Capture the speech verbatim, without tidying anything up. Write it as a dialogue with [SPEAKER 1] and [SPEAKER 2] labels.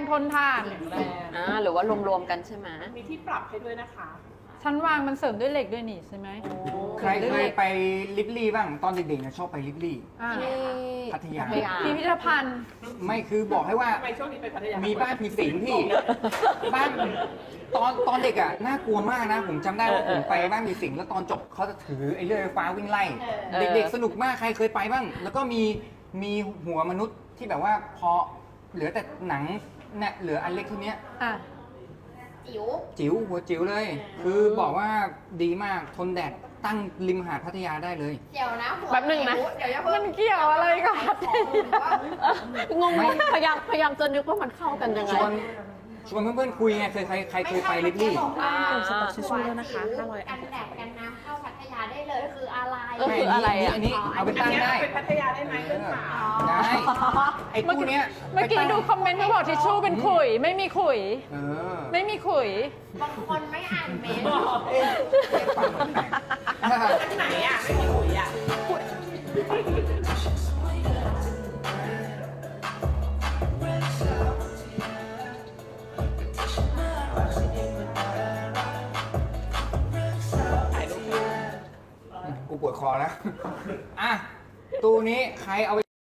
[SPEAKER 1] ทนทาน
[SPEAKER 2] แรง
[SPEAKER 3] อ่าหรือว่ารวมๆกันใช่ไหม
[SPEAKER 2] มีที่ปรับให้ด้วยนะคะ
[SPEAKER 1] ชั้นวางมันเสริมด้วยเหล็กด้วยนี่ใช่ไหม
[SPEAKER 4] ใครเคยไปลิบลี่บ้างตอนเด็กๆนะชอบไปลิบลี่
[SPEAKER 1] อ่า
[SPEAKER 3] ที่
[SPEAKER 4] พัทยา
[SPEAKER 1] พิพิธภัณฑ์
[SPEAKER 4] ไม่คือบอกให้ว่า
[SPEAKER 2] ทำไมช่วงนี้ไปพัทยา
[SPEAKER 4] มี
[SPEAKER 2] มี
[SPEAKER 4] บ้านผีสิงพี่ บ้านตอนตอนเด็กอ่ะน่ากลัวมากนะ ผมจำได้ว่าผมไปบ้านผีสิงแล้วตอนจบเขาจะถือไอ้เลื่อยไฟฟ้าวิ่งไล่ เด็กๆสนุกมากใครเคยไปบ้าง แล้วก็มีมีหัวมนุษย์ที่แบบว่าพอเหลือแต่หนังเนี่ยเหลืออันเล็กเท่านี้
[SPEAKER 1] อ่ะ
[SPEAKER 5] จิ๋ว
[SPEAKER 4] จิ๋วหัวจิ๋วเลย คือบอกว่าดีมากทนแดดตั้งริมหาดพัทยาได้เลย
[SPEAKER 5] เดี๋ยวนะหัว
[SPEAKER 3] แป๊บหนึ่งนะ
[SPEAKER 5] จิ๋วเดี๋ยวอย่าเพิ่
[SPEAKER 1] มั
[SPEAKER 5] ง
[SPEAKER 1] นเกี่ยวอะไรกับพัทยา
[SPEAKER 3] งงๆพยายามพยายามจะนึกว่ามันเข้ากันยังไง
[SPEAKER 4] ชวนชวนเพื่อนๆคุยไงเคยใครใครเคยไปลิบลี่
[SPEAKER 3] อ่า
[SPEAKER 5] สต็อกชิชชูแล้วนะคะห้าร้อยกันแดดกันน้ำเข้าพัทยาได้เลยคืออะไร
[SPEAKER 3] เออคืออะไรอ่ะ
[SPEAKER 4] อันนี้เอาไป
[SPEAKER 2] อัน
[SPEAKER 4] ตั้ง
[SPEAKER 2] เนี้ย
[SPEAKER 4] ได้
[SPEAKER 2] เป็นพัทยาได้ไหมเพื่อนสาว
[SPEAKER 4] ได้ ไอ้คู่เนี้ย
[SPEAKER 1] เมื่อกี้ดูคอมเมนต์เขาบอกทิชชู่เป็นขุย ไม่มีขุย
[SPEAKER 4] เออ
[SPEAKER 1] ไม่มีขุย
[SPEAKER 5] บางคนไม่อ่านเมนต์
[SPEAKER 4] ฟังมันแปลก
[SPEAKER 2] อันไหนอ่ะไม่มีหุยอ่ะ
[SPEAKER 4] กูปวดคอแล้ว อ่ะ ตู้นี้ใครเอาไป